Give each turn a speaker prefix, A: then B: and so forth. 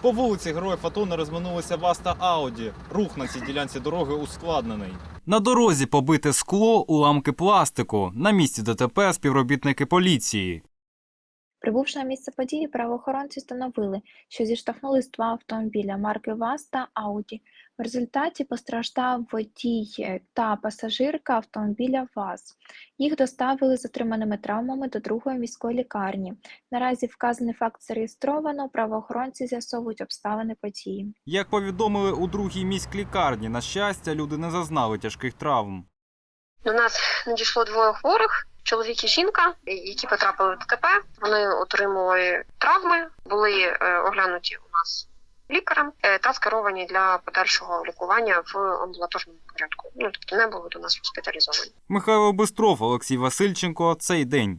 A: По вулиці Героїв АТО не розминулися ВАЗ та Ауді. Рух на цій ділянці дороги ускладнений. На дорозі побите скло, уламки пластику. На місці ДТП співробітники поліції.
B: Прибувши на місце події, правоохоронці встановили, що зіштовхнулись два автомобіля марки ВАЗ та Ауді. В результаті постраждав водій та пасажирка автомобіля ВАЗ. Їх доставили з отриманими травмами до другої міської лікарні. Наразі вказаний факт зареєстровано, правоохоронці з'ясовують обставини події.
A: Як повідомили у другій міськлікарні, на щастя, люди не зазнали тяжких травм.
C: До нас надійшло двоє хворих, чоловік і жінка, які потрапили в ДТП. Вони отримали травми, були оглянуті у нас лікарем та скеровані для подальшого лікування в амбулаторному порядку. Тобто не були до нас госпіталізовані.
A: Михайло Бистров, Олексій Васильченко. Цей день.